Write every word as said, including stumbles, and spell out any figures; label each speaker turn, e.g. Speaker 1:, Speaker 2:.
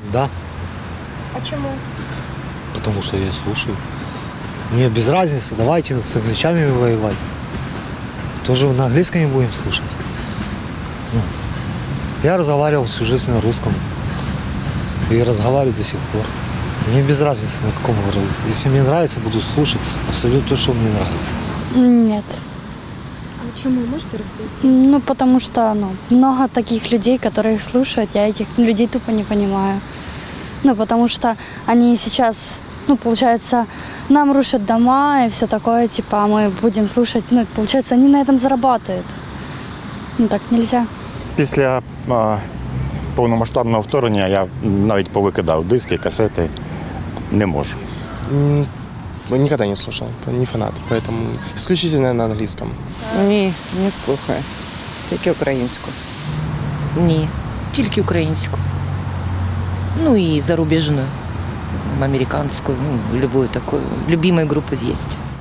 Speaker 1: Да,
Speaker 2: А чому?
Speaker 1: потому что я слушаю. Мне без разницы, давайте с англичанами воевать. Тоже на английском не будем слушать. Ну, я разговаривал всю жизнь на русском. И разговариваю до сих пор. Мне без разницы, на каком говорю. Если мне нравится, буду слушать абсолютно то, что мне нравится.
Speaker 3: Нет.
Speaker 2: А чому можете розповісти?
Speaker 3: Ну, потому что ну, много таких людей, которые их слушают, я этих людей тупо не понимаю. Ну, потому что они сейчас, ну, получается, нам рушат дома и все такое, типа, а мы будем слушать, ну, получается, они на этом зарабатывают. Ну, так нельзя.
Speaker 4: Після а, повномасштабного вторгнення я навіть повикидав диски, касети. Не можу.
Speaker 5: М, Никогда не слушал, не фанат, поэтому исключительно на английском.
Speaker 6: Ні, не слухаю. Тільки українську.
Speaker 7: Ні, тільки українську. Ну і зарубіжну, американську, ну, любую такую. Любимые группы есть.